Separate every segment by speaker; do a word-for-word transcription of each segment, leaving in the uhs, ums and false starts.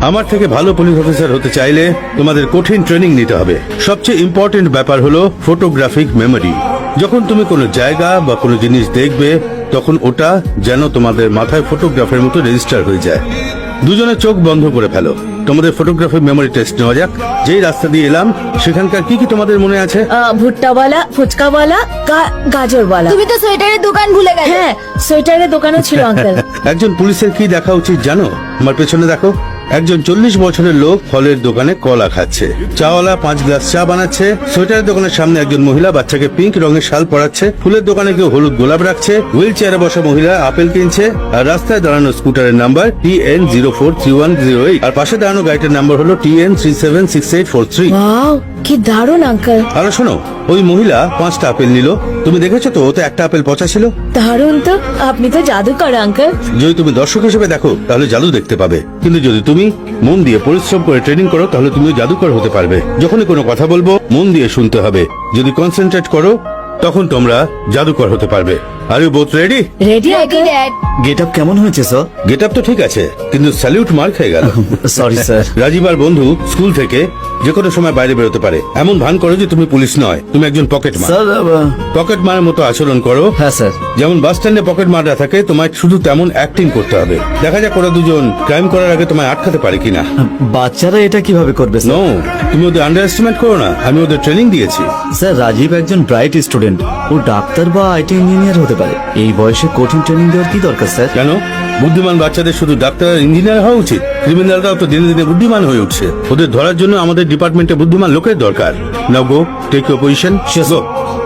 Speaker 1: আমার থেকে ভালো পুলিশ অফিসার হতে চাইলে তোমাদের কঠিন ট্রেনিং নিতে হবে। সবচেয়ে ইম্পর্টেন্ট ব্যাপার হলো ফটোগ্রাফিক মেমোরি। যখন তুমি কোনো জায়গা বা কোনো জিনিস দেখবে তখন ওটা যেন তোমাদের মাথায় ফটোগ্রাফের মতো রেজিস্টার হয়ে যায়। দুজনে চোখ বন্ধ করে ফেলো, তোমাদের ফটোগ্রাফি মেমোরি টেস্ট নেওয়া যাক। যেই রাস্তা দিয়ে এলাম সেখানকার কি কি তোমাদের মনে আছে?
Speaker 2: আহ, ভুট্টাওয়ালা, ফুচকাওয়ালা, গা- গাজরওয়ালা।
Speaker 3: তুমি তো সোয়েটারের দোকান ভুলে গেলে।
Speaker 2: হ্যাঁ, সোয়েটারের দোকানও ছিল আঙ্কেল।
Speaker 1: একজন পুলিশের কি দেখা উচিত জানো? আমার পেছনে দেখো, একজন চল্লিশ বছরের লোক ফলের দোকানে কলা খাচ্ছে। চাওয়ালা পাঁচ গ্লাস চা বানাচ্ছে। সোয়েটারের দোকানের সামনে একজন মহিলা বাচ্চাকে পিঙ্ক রঙের শাল পরাচ্ছে। ফুলের দোকানে কেউ হলুদ গোলাপ রাখছে। হুইল চেয়ারে বসা মহিলা আপেল কিনছে। আর রাস্তায় দাঁড়ানো স্কুটারের number T N zero four three one zero eight, আর পাশে দাঁড়ানো গাড়িটার নাম্বার হলো T N three seven six eight four three.
Speaker 2: Wow, কি দারুণ আঙ্কেল।
Speaker 1: আর শোনো, ওই মহিলা পাঁচটা আপেল নিল। তুমি দেখেছো তো, ওতে একটা আপেল পচা ছিল।
Speaker 2: দারুণ তো, আপনি তো জাদুকর আঙ্কেল।
Speaker 1: যদি তুমি দর্শক হিসেবে দেখো তাহলে জাদু দেখতে পাবে, কিন্তু যদি তুমি মন দিয়ে পরিশ্রম করে ট্রেনিং করো তাহলে তুমিও জাদুকর হতে পারবে। যখনই কোনো কথা বলবো মন দিয়ে শুনতে হবে। যদি কনসেন্ট্রেট করো তখন তোমরা জাদুকর হতে পারবে। Are you both ready?
Speaker 2: Ready uncle.
Speaker 3: Dad,
Speaker 4: get up কেমন হয়েছে স্যার?
Speaker 1: গেট আপ তো ঠিক আছে, কিন্তু স্যালিউট মার খেয়ে গেল।
Speaker 4: Sorry sir.
Speaker 1: রাজীব আর বন্ধু স্কুল থেকে যে কোনো সময় বাইরে বেরোতে পারে। এমন ভান করো যে তুমি পুলিশ নয়, তুমি একজন পকেট মার।
Speaker 4: স্যার
Speaker 1: পকেট মারের মতো আচরণ করো।
Speaker 4: হ্যাঁ স্যার।
Speaker 1: যেমন বাস স্ট্যান্ডে পকেট মারা থাকে, তোমায় শুধু তেমন অ্যাক্টিং করতে হবে। দেখা যাক ওরা দুজন ক্রাইম করার আগে তোমায় আটকাতে পারে কিনা।
Speaker 4: বাচ্চারা এটা কিভাবে করবে
Speaker 1: নো,
Speaker 4: স্যার?
Speaker 1: তুমি ওদের আন্ডার এস্টিমেট করো না। আমি ওদের ট্রেনিং দিয়েছি।
Speaker 4: স্যার, রাজীব একজন ব্রাইট স্টুডেন্ট। ও ডাক্তার বা আইটি ইঞ্জিনিয়ার হতে পারে। এই বয়সে কঠিন ট্রেনিং দেওয়ার কি দরকার স্যার?
Speaker 1: কেন? বুদ্ধিমান বাচ্চাদের শুধু ডাক্তার আর ইঞ্জিনিয়ার হওয়া উচিত? ক্রিমিনালরাও তো দিনে দিনে বুদ্ধিমান হয়ে উঠছে। ওদের ধরার জন্য আমাদের ডিপার্টমেন্টে বুদ্ধিমান লোকের দরকার। Now go, take your position. Go.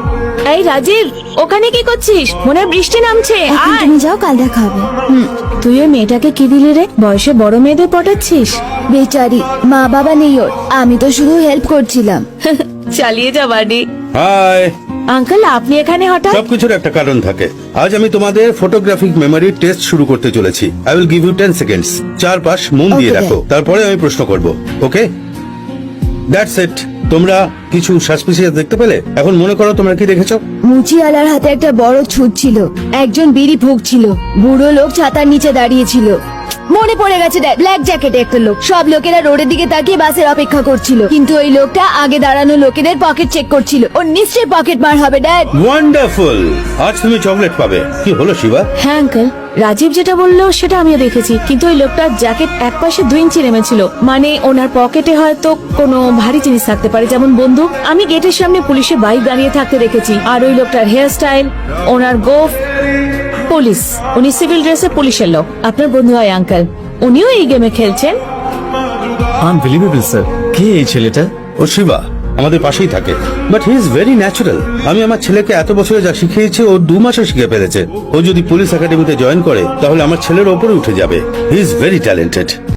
Speaker 2: এই রাজীব, ওখানে কি করছিস? মনে হয় বৃষ্টি নামছে।
Speaker 3: এখন
Speaker 2: আয়।
Speaker 3: তুমি যাও, কাল দেখা হবে।
Speaker 2: হুম, তুই ওই মেয়েটাকে কি দিলি রে? বয়সে বড় মেয়েদের পটাচ্ছিস?
Speaker 3: বেচারি, মা বাবা নেই ওর, আমি তো শুধু হেল্প করছিলাম।
Speaker 2: চালিয়ে যা বাড়ি।
Speaker 1: হাই।
Speaker 2: আঙ্কেল, আপনি এখানে হঠাৎ?
Speaker 1: সবকিছুর একটা কারণ থাকে। আজ আমি তোমাদের ফটোগ্রাফিক মেমোরি টেস্ট শুরু করতে চলেছি। I will give you ten seconds. চারপাশ মন দিয়ে
Speaker 3: Okay,
Speaker 1: দেখো, তারপরে আমি প্রশ্ন করব। Okay, that's it. তোমরা কিছু সাসপিসিয়াস দেখতে পেলে? এখন মনে করো তোমরা কি দেখেছো?
Speaker 3: মুচিওয়ালার হাতে একটা বড় ছুট ছিল। একজন বিড়ি ফুঁকছিল। বুড়ো লোক ছাতার নিচে দাঁড়িয়ে ছিল। মনে পড়ে গেছে ড্যাড, ব্ল্যাক জ্যাকেটে একটা লোক। সব লোকেরা রোডের দিকে তাকিয়ে বাসের অপেক্ষা করছিল, কিন্তু ওই লোকটা আগে দাঁড়ানো লোকেদের পকেট চেক করছিল। ওর নিশ্চয়ই পকেট মার হবে ড্যাড।
Speaker 1: ওয়ান্ডারফুল, আজ তুমি চকলেট পাবে। কি হলো শিবা?
Speaker 2: হ্যাঁ আঙ্কেল, রাজীব যেটা বললো সেটা আমিও দেখেছি, কিন্তু ওই লোকটার জ্যাকেট এক পাশে দুই ইঞ্চি নেমেছিল। মানে ওনার পকেটে হয়তো কোনো ভারী জিনিস থাকতে পারে, যেমন বন্দুক। আমি গেটের সামনে পুলিশের বাইক দাঁড়িয়ে থাকতে দেখেছি। আর ওই লোকটার হেয়ার স্টাইল, ওনার গোফ, পুলিশ। উনি সিভিল ড্রেসে পুলিশের লোক। আপনার বন্ধু হয় আঙ্কেল, উনিও এই গেমে খেলছেন।
Speaker 4: Unbelievable sir. কে এই ছেলেটা?
Speaker 1: ও শিবা আমাদের পাশেই থাকে, but he is very natural. আমি আমার ছেলেকে এত বছরে যা শিখিয়েছি ও দু মাসে শিখে ফেলেছে। ও যদি পুলিশ একাডেমিতে জয়েন করে তাহলে আমার ছেলের ওপরে উঠে যাবে। He is very talented.